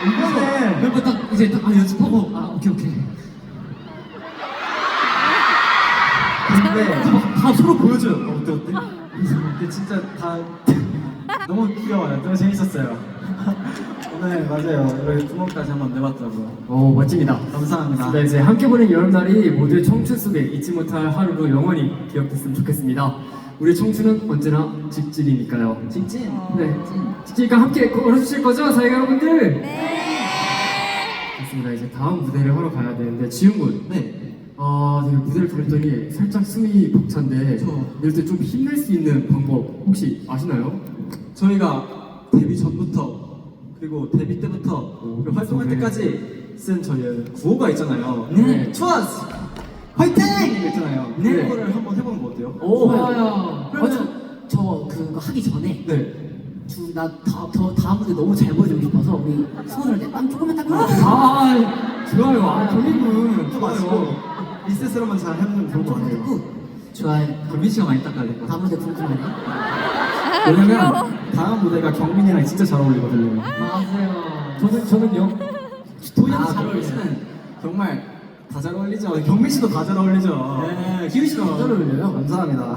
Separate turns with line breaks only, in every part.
이번에
멤버 딱 이제 딱 연습하고 오케이.
근데
다 서로 보여줘요. 어때?
근데 진짜 다 너무 귀여워요. 너무 재밌었어요. 오늘 맞아요. 이렇게 구멍까지 한번 내봤더라고요.
오, 멋집니다.
감사합니다.
네, 이제 함께 보낸 여름날이 모두의 청춘 속에 잊지 못할 하루로 영원히 기억됐으면 좋겠습니다. 우리 청춘은 언제나 직진이니까요.
직진.
네, 직진이니까 함께 걸어주실 거죠, 사회가 여러분들? 네. 좋습니다. 이제 다음 무대를 하러 가야 되는데 지훈 군.
네.
되게 무대를 돌렸더니 살짝 숨이 벅찬데
저.
이럴 때 좀 힘낼 수 있는 방법 혹시 아시나요?
저희가 데뷔 전부터 그리고 데뷔 때부터 그리고 활동할
네.
때까지 쓴 저희의 구호가 있잖아요.
네.
투어스 화이팅! 이거 있잖아요.
네.
그거를 한번 해보는 거 어때요?
오,
좋아요.
그러면
저 그거 하기 전에
네.
다음 무대 너무 잘 보여주고 싶어서 우리 손을 땀 조금만 닦고
좋아요. 경민군
또 마시고 리셋을 한번 잘 해보면 좋을 것 같아요.
좋아요.
경민 씨가 많이 닦아야 것
다음 무대 궁금하네.
왜냐면 다음 무대가 경민이랑 진짜 잘 어울리거든요.
맞아요.
저는요?
도희랑 잘 어울리시는 정말 다 잘 어울리죠. 경민 씨도 다 잘 어울리죠.
네, 기훈 씨도 잘 어울려요.
감사합니다.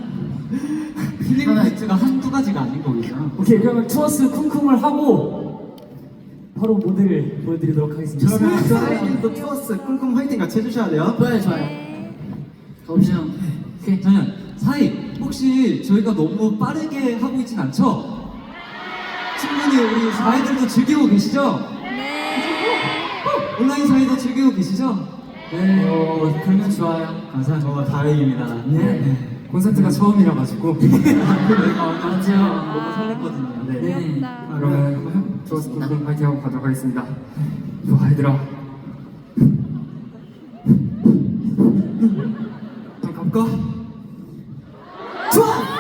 힐링 포인트가 한두 가지가 아닌 거겠죠.
오케이, 그러면 투어스 쿵쿵을 하고 바로 무대를 보여드리도록 하겠습니다.
그러면 사이님도 투어스 꿀꿈 화이팅 같이 해주셔야 돼요.
좋아요. 가보시죠.
오케이, 저는 사이 혹시 저희가 너무 빠르게 하고 있진 않죠? 충분히 우리 사이들도 즐기고 계시죠? 온라인 사이도 즐기고 계시죠?
네, 그러면 좋아요.
감사합니다.
정말 다행입니다.
네. 콘서트가 처음이라 가지고.
맞죠. 너무 설렜거든요.
네. 그러면 투어스 쿵쿵 파이팅 하고 가도록 하겠습니다. 좋아, 얘들아. 좀 가볼까?
좋아!